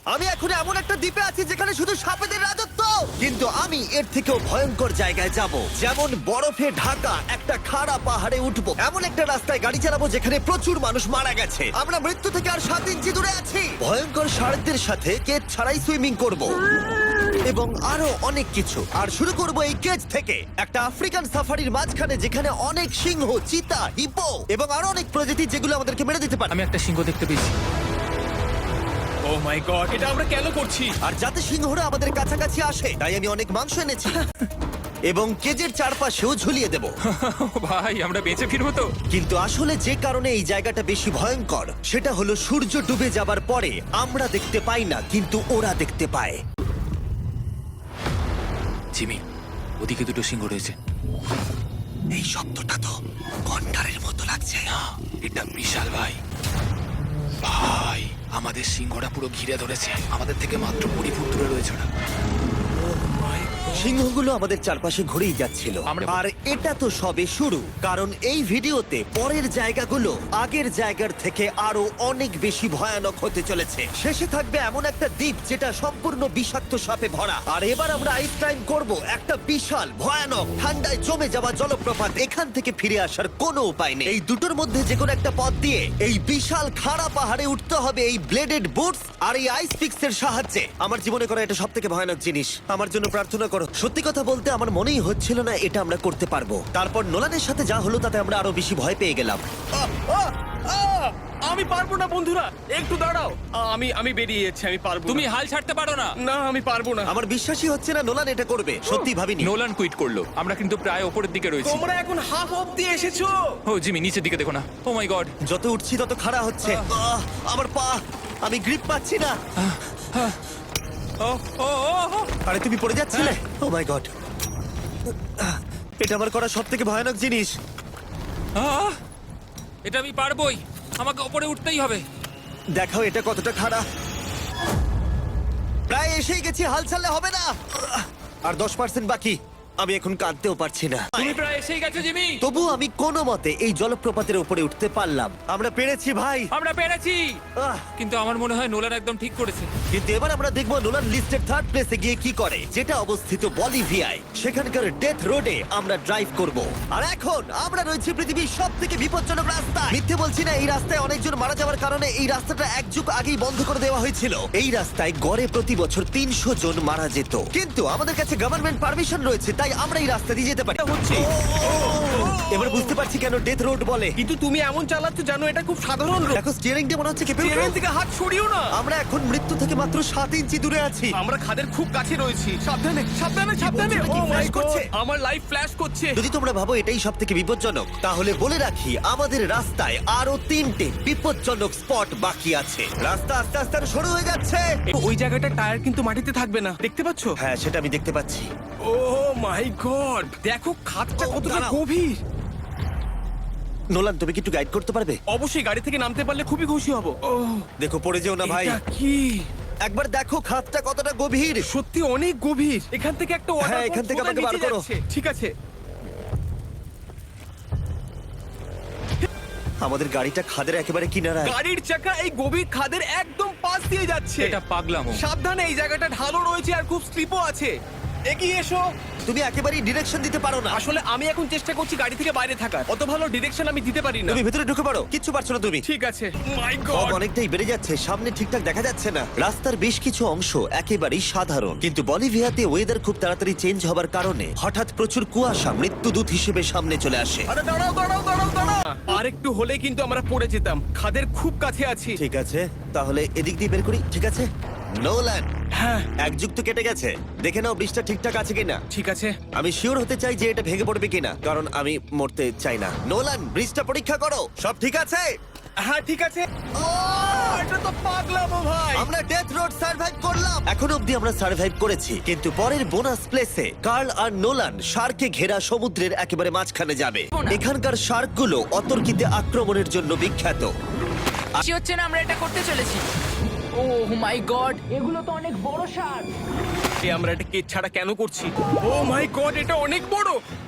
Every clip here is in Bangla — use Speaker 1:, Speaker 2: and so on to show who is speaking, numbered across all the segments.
Speaker 1: আমি এখন এমন একটা দ্বীপে আছি যেখানে শুধু সাপেদের রাজত্ব, কিন্তু আমি এর থেকেও ভয়ঙ্কর জায়গায় যাব, যেমন বরফে ঢাকা একটা খাড়া পাহাড়ে উঠবো, এমন একটা রাস্তায় গাড়ি চালাবো যেখানে প্রচুর মানুষ মারা গেছে। আমরা মৃত্যু থেকে আর 7 ইঞ্চি দূরে আছি। ভয়ঙ্কর শার্কদের সাথে কেজ ছাড়াই সুইমিং করব এবং আরো অনেক কিছু। আর শুরু করব এই কেজ থেকে, একটা আফ্রিকান সাফারির মাঝখানে যেখানে অনেক সিংহ, চিতা, হিপো এবং আরো অনেক প্রজাতি যেগুলো আমাদেরকে মেরে দিতে পারে।
Speaker 2: আমি একটা সিংহ দেখতে পেয়েছি।
Speaker 3: ও মাই গড, এটা আমরা কেন করছি?
Speaker 1: আর যাতে সিংহরা আমাদের কাছাকাছি আসে তাই আমি অনেক মাংস এনেছি এবং কেজের চারপাশেও ঝুলিয়ে দেব।
Speaker 2: ভাই আমরা বেঁচে ফিরবো তো?
Speaker 1: কিন্তু আসলে যে কারণে এই জায়গাটা বেশি ভয়ঙ্কর সেটা হলো সূর্য ডুবে যাবার পরে আমরা দেখতে পাই না, কিন্তু ওরা দেখতে পায়।
Speaker 2: জিমি, ওদিকে দুটো সিংহ রয়েছে।
Speaker 1: এই শব্দটা তো কন্ডারের মতো লাগছে।
Speaker 2: না, এটা বিশাল ভাই। ভাই, আমাদের সিংহটা পুরো ঘিরে ধরেছে। আমাদের থেকে মাত্র 20 ফুট দূরে রয়েছে ওরা।
Speaker 1: সিংহগুলো আমাদের চারপাশে ঘুরেই যাচ্ছিল। আর এটা তো সবে শুরু, কারণ এই ভিডিওতে পরের জায়গাগুলো আগের জায়গার থেকে আরো অনেক বেশি ভয়ানক হতে চলেছে। শেষে থাকবে এমন একটা দ্বীপ যেটা সম্পূর্ণ বিষাক্ত সাপে ভরা। আর এবার আমরা আইস ক্লাইম করব একটা বিশাল ভয়ানক ঠান্ডায় জমে যাওয়া জলপ্রপাত। এখান থেকে ফিরে আসার কোনো উপায় নেই। এই দুটোর মধ্যে যে কোনো একটা পথ দিয়ে এই বিশাল খাড়া পাহাড়ে উঠতে হবে এই ব্লেডেড বুটস আর এই আইস পিক্সের সাহায্যে। আমার জীবনে করা এটা সবথেকে ভয়ানক জিনিস। আমার জন্য প্রার্থনা করো। সত্যি কথা বলতে আমার মনেই হচ্ছিল না এটা আমরা করতে পারবো। তারপর নোলানের সাথে যা হলো তাতে আমরা আরো বেশি ভয় পেয়ে গেলাম।
Speaker 3: আমি পারবো না বন্ধুরা, একটু দাঁড়াও। আমি বেরিয়ে যাচ্ছি, আমি পারবো
Speaker 2: তুমি
Speaker 3: না।
Speaker 2: হাল ছাড়তে পারো না।
Speaker 3: না, আমি পারবো না।
Speaker 1: আমার বিশ্বাসই হচ্ছে না নোলান এটা করবে। সত্যি ভাবিনি।
Speaker 2: নোলান কুইট করলো। আমরা কিন্তু প্রায় ওপরের দিকে রয়েছি।
Speaker 3: তোমরা এখন হাফ অব্দি এসেছো।
Speaker 2: ও জিমি, নিচের দিকে দেখো না। Oh my God.
Speaker 1: যত উঠছি তত খাড়া হচ্ছে। আমার পা, আমি গ্রিপ পাচ্ছি না।
Speaker 2: ও ও ও
Speaker 1: আরে তুমি পড়ে যাচ্ছিলে? ও মাই গড, এটা আমার করা সবথেকে ভয়ানক জিনিস।
Speaker 2: আহ! এটা আমি পারবোই। আমাকে ওপরে উঠতেই হবে।
Speaker 1: দেখাও এটা কতটা খাড়া। প্রায় এসেই গেছি, হাল ছাড়লে হবে না। আর 10% বাকি। আমি এখন কাঁদতেও পারছি না।
Speaker 2: তুমি প্রায় এসেই গেছো জিমি।
Speaker 1: তবু আমি কোনো মতে এই জলপ্রপাতের উপরে উঠতে পারলাম। আমরা পেরেছি ভাই।
Speaker 2: আমরা পেরেছি।
Speaker 1: আহ,
Speaker 2: কিন্তু আমার মনে হয় নোলান একদম ঠিক করেছে।
Speaker 1: কিন্তু এবার আমরা দেখবো নোলান লিস্টের 3rd প্লেসে গিয়ে কি করে, যেটা অবস্থিত বলিভিয়ায়। সেখানকার ডেথ রোডে আমরা ড্রাইভ করব। আর এখন আমরা রয়েছি পৃথিবীর সবথেকে বিপজ্জনক রাস্তা। মিথ্যে বলছি না, এই রাস্তায় অনেকজন মারা যাওয়ার কারণে এই রাস্তাটা এক যুগ আগেই বন্ধ করে দেওয়া হয়েছিল। এই রাস্তায় গড়ে প্রতি বছর 300 জন মারা যেত, কিন্তু আমাদের কাছে গভর্নমেন্ট পারমিশন রয়েছে, তাই আমরা এই রাস্তা দিয়ে যেতে পারি।
Speaker 3: হচ্ছে।
Speaker 1: এবার বুঝতে পারছি কেন ডেথ রোড বলে।
Speaker 3: কিন্তু তুমি এমন চালাচ্ছ জানো এটা খুব সাধারণ রোড।
Speaker 1: দেখো স্টিয়ারিংটা মনে হচ্ছে কেঁপে উঠলো।
Speaker 3: ট্রেন থেকে হাত সরিও না।
Speaker 1: আমরা এখন মৃত্যু থেকে মাত্র 7 ইঞ্চি দূরে আছি।
Speaker 3: আমরা খাদের খুব কাছে রয়েছি। সাবধানে, সাবধানে, সাবধানে।
Speaker 1: বলছো,
Speaker 3: ও
Speaker 1: কি
Speaker 3: মাই
Speaker 1: flash করছে?
Speaker 3: গড, আমার লাইফ ফ্ল্যাশ করছে।
Speaker 1: যদি তোমরা ভাবো এটাই সব থেকে বিপজ্জনক, তাহলে বলে রাখি আমাদের রাস্তায় আরো 3টে বিপজ্জনক স্পট বাকি আছে। রাস্তা আস্তে আস্তে আরো সরু হয়ে যাচ্ছে।
Speaker 3: ওই জায়গাটা টায়ার কিন্তু মাটিতে থাকবে না, দেখতে পাচ্ছো?
Speaker 1: হ্যাঁ, সেটা আমি দেখতে পাচ্ছি।
Speaker 3: ও মাই গড, দেখো খাদটা
Speaker 1: ও,
Speaker 3: কতটা
Speaker 1: দাঁড়াও।
Speaker 3: গভীর।
Speaker 1: নোলান, তুমি কি একটু গাইড করতে পারবে?
Speaker 3: অবশ্যই, গাড়ি থেকে নামতে পারলে খুবই খুশি হব। ও
Speaker 1: দেখো পড়ে যেও না ভাই।
Speaker 3: এটা কি?
Speaker 1: একবার দেখো খাতটা কতটা গভীর।
Speaker 3: সত্যি অনেক গভীর। এখান থেকে একটা ওয়াটার
Speaker 1: হ্যাঁ, এখান থেকে আমাকে বার করো।
Speaker 3: ঠিক আছে।
Speaker 1: আমাদের গাড়িটা খাদের একেবারে কিনারায়।
Speaker 3: গাড়ির চাকা এই গভীর খাদের একদম পাশ দিয়ে যাচ্ছে।
Speaker 2: এটা পাগলামো।
Speaker 3: সাবধানে, এই জায়গাটা ঢালও রয়েছে আর খুব স্লিপও আছে। এগিয়ে এসো।
Speaker 1: তুমি একেবারেই ডিরেকশন দিতে পারো না।
Speaker 3: আসলে আমি এখন চেষ্টা করছি গাড়ি থেকে বাইরে থাকার। অত ভালো ডিরেকশন আমি দিতে পারি না।
Speaker 1: তুমি ভেতরে ঢুকে পারো, কিচ্ছু পারছো না তুমি।
Speaker 3: ঠিক আছে। মাই
Speaker 1: ফগ
Speaker 3: গড,
Speaker 1: অনেকটাই বেড়ে যাচ্ছে, সামনে ঠিকঠাক দেখা যাচ্ছে না। রাস্তার বেশ কিছু অংশ একেবারেই সাধারণ, কিন্তু বলিভিয়াতে ওয়েদার খুব তাড়াতাড়ি চেঞ্জ হবার কারণে হঠাৎ প্রচুর কুয়াশা মৃত্যুদূত হিসেবে সামনে চলে আসে।
Speaker 3: আরে দাঁড়াও, দাঁড়াও, দাঁড়াও, দাঁড়াও। আর একটু হলে কিন্তু আমরা পড়ে যেতাম। খাদের খুব কাছে আছি।
Speaker 1: ঠিক আছে, তাহলে এদিক দিয়ে বের করি। ঠিক আছে নোলান,
Speaker 3: হ্যাঁ,
Speaker 1: এক যুগ তো কেটে গেছে, দেখে নাও ব্রিজটা ঠিকঠাক আছে কিনা।
Speaker 3: ঠিক আছে।
Speaker 1: আমি শিওর হতে চাই যে এটা ভেঙে পড়বে কিনা, কারণ আমি মরতে চাই না। নোলান, ব্রিজটা পরীক্ষা করো, সব ঠিক আছে?
Speaker 3: হ্যাঁ, ঠিক আছে। ও, এটা তো পাগলামো ভাই।
Speaker 1: আমরা ডেথ রোড সার্ভাইভ করলাম। এখন অবধি আমরা সার্ভাইভ করেছি, কিন্তু পরের বোনাস প্লেসে কার্ল আর নোলান শার্কে ঘেরা সমুদ্রের একেবারে মাঝখানে যাবে। এখানকার শার্কগুলো অতর্কিতে আক্রমণের জন্য বিখ্যাত।
Speaker 4: আশি হচ্ছে না আমরা এটা করতে চলেছি। ও মাই গড, এগুলো তো অনেক বড় সার।
Speaker 3: আমরা এটা কেজ ছাড়া কেন করছি? ও মাই গড, এটা অনেক বড়।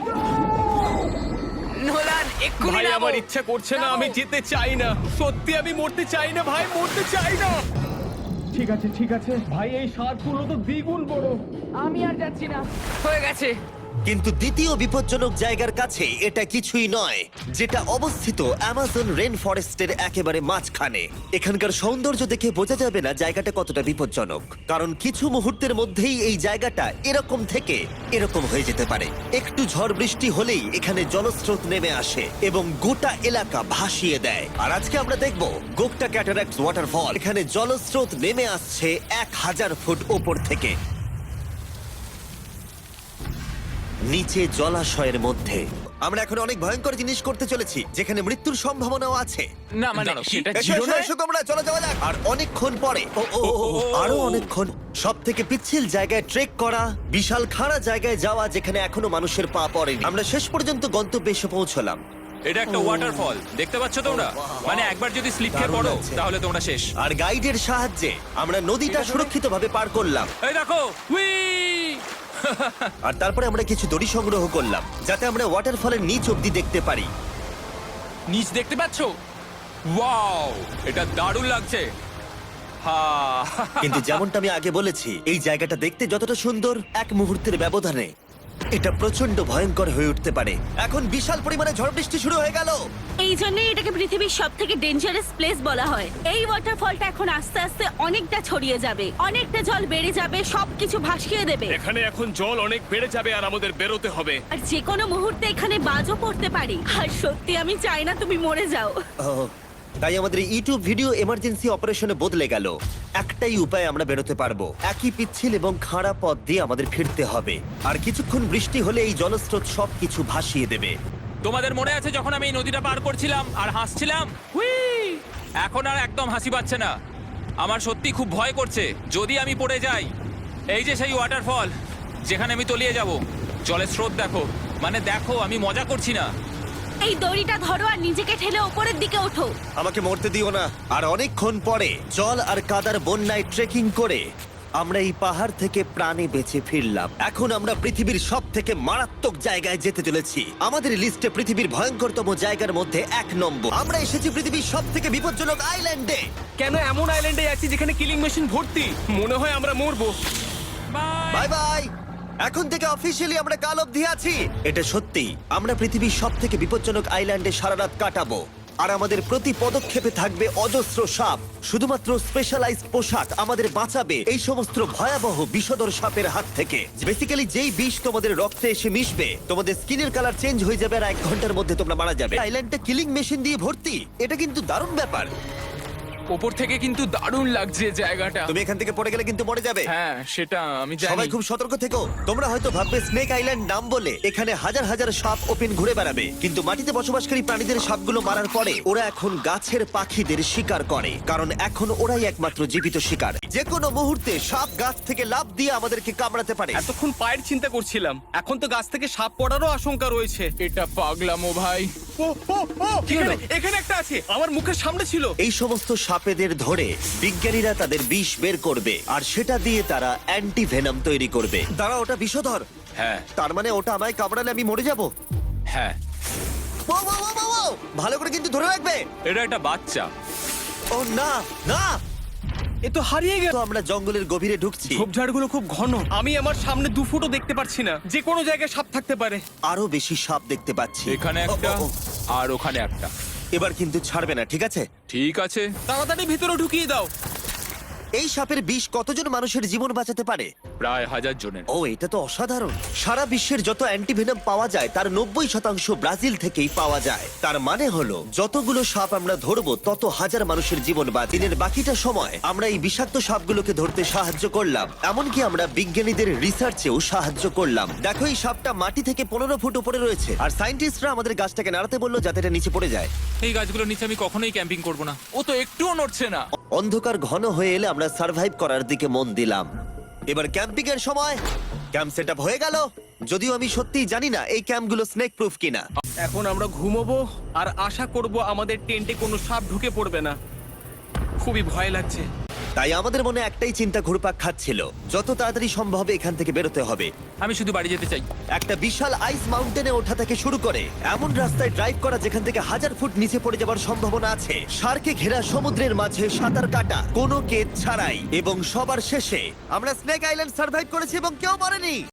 Speaker 4: নোলান, এক্ষুনি
Speaker 3: ভাই
Speaker 4: নামো।
Speaker 3: আমার ইচ্ছা করছে না, আমি যেতে চাই না। সত্যি আমি মরতে চাই না ভাই, মরতে চাই না। ঠিক আছে ভাই, এই সাপগুলো তো দ্বিগুণ বড়।
Speaker 4: আমি আর যাচ্ছি না, হয়ে গেছে।
Speaker 1: কিন্তু দ্বিতীয় বিপজ্জনক জায়গার কাছে এটা কিছুই নয়, যেটা অবস্থিত অ্যামাজন রেন ফরেস্টের একেবারে মাঝখানে। এখানকার সৌন্দর্য দেখে বোঝা যাবে না জায়গাটা কতটা বিপজ্জনক, কারণ কিছু মুহূর্তের মধ্যেই এই জায়গাটা এরকম থেকে এরকম হয়ে যেতে পারে। একটু ঝড় বৃষ্টি হলেই এখানে জলস্রোত নেমে আসে এবং গোটা এলাকা ভাসিয়ে দেয়। আর আজকে আমরা দেখব গোকটা ক্যাটারাক্ট ওয়াটারফল। এখানে জলস্রোত নেমে আসছে 1000 ফুট ওপর থেকে নিচে জলাশয়ের মধ্যে। আমরা এখন অনেক ভয়ঙ্কর জিনিস করতে চলেছি, যেখানে মৃত্যুর সম্ভাবনাও আছে।
Speaker 4: না মানে
Speaker 2: দাঁড়াও,
Speaker 4: সেটা
Speaker 1: এসো,
Speaker 4: ছিল
Speaker 1: এসো,
Speaker 4: না।
Speaker 1: এসো তোমরা, চলো যাওয়া যাক। আর অনেকক্ষণ পরে আরো অনেকক্ষণ সব থেকে পিচ্ছিল জায়গায় ট্রেক করা, বিশাল খাড়া জায়গায় যাওয়া যেখানে এখনো মানুষের পা পড়েনি, আমরা শেষ পর্যন্ত গন্তব্যে এসে পৌঁছলাম।
Speaker 5: এটা একটা ওয়াটারফল, দেখতে পাচ্ছ তোমরা? মানে একবার যদি স্লিপ খেয়ে
Speaker 1: দারুণ
Speaker 5: পড়ো
Speaker 1: লাগছে।
Speaker 5: তাহলে তোমরা শেষ।
Speaker 1: আর গাইডের সাহায্যে আমরা নদীটা সুরক্ষিতভাবে পার করলাম।
Speaker 5: এই দেখো, উই!
Speaker 1: আর তারপরে আমরা কিছু দড়ি সংগ্রহ করলাম, যাতে আমরা ওয়াটারফলের নিচ অব্দি দেখতে পারি।
Speaker 5: নিচ দেখতে পাচ্ছ? ওয়াও, এটা দারুণ লাগছে। হা!
Speaker 1: কিন্তু যেমনটা আমি আগে বলেছি, এই জায়গাটা দেখতে যতটা সুন্দর, এক মুহূর্তের ব্যবধানে এটা প্রচন্ড ভয়ঙ্কর হয়ে উঠতে পারে। এখন বিশাল পরিমাণে ঝড় বৃষ্টি শুরু হয়ে গেল।
Speaker 6: এই জন্যই এটাকে পৃথিবীর সব থেকে ডেঞ্জারাস প্লেস বলা হয়। এই ওয়াটারফলটা এখন আস্তে আস্তে অনেকটা ছড়িয়ে যাবে, অনেকটা জল বেড়ে যাবে, সবকিছু ভাসিয়ে দেবে।
Speaker 3: এখানে এখন জল অনেক বেড়ে যাবে আর আমাদের বেরোতে হবে।
Speaker 6: আর যে কোনো মুহূর্তে এখানে বাজও পড়তে পারি। আর সত্যি আমি চাই না তুমি মরে যাও।
Speaker 1: ওহ, তাই আমাদের ইউটিউব ভিডিও এমার্জেন্সি অপারেশনে বদলে গেল। একটাই উপায় আমরা বেরোতে পারবো, একই পিচ্ছিল এবং খাড়া পথ দিয়ে আমাদের ফিরতে হবে। আর কিছুক্ষণ বৃষ্টি হলে এই জলস্রোত সবকিছু ভাসিয়ে দেবে।
Speaker 5: তোমাদের মনে আছে যখন আমি এই নদীটা পার করছিলাম আর হাসছিলাম? হুই! এখন আর একদম হাসি পাচ্ছে না। আমার সত্যি খুব ভয় করছে যদি আমি পড়ে যাই। এই যে সেই ওয়াটারফল যেখানে আমি তলিয়ে যাব। জলের স্রোত দেখো, মানে দেখো, আমি মজা করছি না।
Speaker 6: এই দড়িটা ধরো আর নিজেকে ঠেলে ওপরের দিকে ওঠো।
Speaker 1: আমাকে মরতে দিও না। আর অনেকক্ষণ পরে জল আর কাদার বন্যায় ট্রেকিং করে আমরা এই পাহাড় থেকে প্রাণে বেঁচে ফিরলাম। এখন আমরা পৃথিবীর সব থেকে মারাত্মক জায়গায় যেতে চলেছি। আমাদের লিস্টে পৃথিবীর ভয়ঙ্করতম জায়গার মধ্যে 1 নম্বর। আমরা এসেছি পৃথিবীর সব থেকে বিপজ্জনক আইল্যান্ডে।
Speaker 3: কেন এমন আইল্যান্ডে আছি যেখানে কিলিং মেশিন ভর্তি? মনে হয় আমরা মরবো।
Speaker 1: Bye bye. এখন থেকে অফিসিয়ালি আমরা কাল অবধি আছি। এটা সত্যি, আমরা পৃথিবীর সব থেকে বিপজ্জনক আইল্যান্ডে সারা রাত কাটাবো। আর আমাদের প্রতি পদক্ষেপে থাকবে অজস্র সাপ। শুধুমাত্র স্পেশালাইজড পোশাক আমাদের বাঁচাবে এই সমস্ত ভয়াবহ বিষধর সাপের হাত থেকে। বেসিক্যালি যেই বিষ তোমাদের রক্তে এসে মিশবে, তোমাদের স্কিনের কালার চেঞ্জ হয়ে যাবে আর 1 ঘন্টার মধ্যে তোমরা মারা যাবে। আইল্যান্ডটা কিলিং মেশিন দিয়ে ভর্তি। এটা কিন্তু দারুণ ব্যাপার।
Speaker 4: ওপর থেকে কিন্তু দারুণ লাগছে জায়গাটা।
Speaker 1: তুমি এখান থেকে পড়ে গেলে কিন্তু মরে যাবে।
Speaker 4: হ্যাঁ সেটা আমি জানি।
Speaker 1: সবাই খুব সতর্ক থেকো। তোমরা হয়তো ভাববে স্নেক আইল্যান্ড নাম বলে এখানে হাজার হাজার সাপ ওপেন ঘুরে বেড়াবে, কিন্তু মাটিতে বসবাসকারী প্রাণীদের সাপগুলো মারার পরে ওরা এখন গাছের পাখিদের শিকার করে, কারণ এখন ওরাই একমাত্র জীবিত শিকার। যে কোনো মুহূর্তে সাপ গাছ থেকে লাফ দিয়ে আমাদেরকে কামড়াতে পারে।
Speaker 3: এতক্ষণ পায়ের চিন্তা করছিলাম, এখন তো গাছ থেকে সাপ পড়ারও আশঙ্কা রয়েছে।
Speaker 4: এটা পাগলামো ভাই।
Speaker 3: ও ও ও, এখানে একটা আছে, আমার মুখের সামনে ছিল।
Speaker 1: এই সমস্ত সাপেদের ধরে বিজ্ঞানীরা তাদের বিষ বের করবে, আর সেটা দিয়ে তারা অ্যান্টি ভেনাম তৈরি করবে। দাঁড়া, ওটা বিষধর।
Speaker 5: হ্যাঁ,
Speaker 1: তার মানে ওটা আমায় কামড়ালে আমি মরে যাব?
Speaker 5: হ্যাঁ,
Speaker 1: ও, ও, ও, ও, ও! ভালো করে কিন্তু ধরে রাখবে।
Speaker 5: এটা একটা বাচ্চা।
Speaker 1: ও না না,
Speaker 3: এ তো হারিয়ে গেল।
Speaker 1: তো আমরা জঙ্গলের গভীরে ঢুকছি।
Speaker 3: ঝোপঝাড়গুলো খুব ঘন, আমি আমার সামনে 2 ফুটও দেখতে পাচ্ছি না। যে কোনো জায়গায় সাপ থাকতে পারে।
Speaker 1: আরো বেশি সাপ দেখতে পাচ্ছি।
Speaker 5: এখানে
Speaker 1: ও,
Speaker 5: একটা
Speaker 1: ও, ও।
Speaker 5: আর ওখানে একটা।
Speaker 1: এবার কিন্তু ছাড়বে না, ঠিক আছে?
Speaker 5: ঠিক আছে।
Speaker 3: তাড়াতাড়ি ভিতরে ঢুকিয়ে দাও।
Speaker 1: এই সাপের বিষ কতজন মানুষের জীবন বাঁচাতে পারে?
Speaker 5: প্রায় 1000 জনের।
Speaker 1: ও, এটা তো অসাধারণ। সারা বিশ্বের যত অ্যান্টিভেনম পাওয়া যায় তার 90% ব্রাজিল থেকেই পাওয়া যায়। তার মানে হলো যতগুলো সাপ আমরা ধরবো তত হাজার মানুষের জীবন বাঁচে। দিনের বাকিটা সময় আমরা এই বিষাক্ত সাপগুলোকে ধরতে সাহায্য করলাম, এমনকি আমরা বিজ্ঞানীদের রিসার্চেও সাহায্য করলাম। দেখো, এই সাপটা মাটি থেকে 15 ফুট উপরে রয়েছে, আর সায়েন্টিস্টরা আমাদের গাছটাকে নাড়াতে বললো যাতে এটা নিচে পড়ে যায়।
Speaker 5: এই গাছগুলোর নিচে আমি কখনোই ক্যাম্পিং করব না। ও তো একটুও নড়ছে না।
Speaker 1: অন্ধকার ঘন হয়ে এলে আমরা সার্ভাইভ করার দিকে মন দিলাম। এবার ক্যাম্পিং এর সময়। ক্যাম্প সেটআপ হয়ে গেল, যদিও আমি সত্যিই জানি না এই ক্যাম্পগুলো স্নেক প্রুফ কিনা।
Speaker 3: এখন আমরা ঘুমোবো আর আশা করব আমাদের টেন্টে কোনো সাপ ঢুকে পড়বে না। খুবই ভয় লাগছে।
Speaker 1: তাই আমাদের মনে একটাই চিন্তা ঘুরপাক খাচ্ছিল, যত তাড়াতাড়ি সম্ভব এখান থেকে বেরোতে হবে।
Speaker 5: আমি শুধু বাড়ি যেতে চাই।
Speaker 1: একটা বিশাল আইস মাউন্টেনে ওঠা থেকে শুরু করে এমন রাস্তায় ড্রাইভ করা যেখান থেকে 1000 ফুট নিচে পড়ে যাওয়ার সম্ভাবনা আছে, শার্কে ঘেরা সমুদ্রের মাঝে সাঁতার কাটা কোনো কেদ ছাড়াই, এবং সবার শেষে আমরা স্নেক আইল্যান্ড সার্ভাইভ করেছি এবং কেউ মরেনি।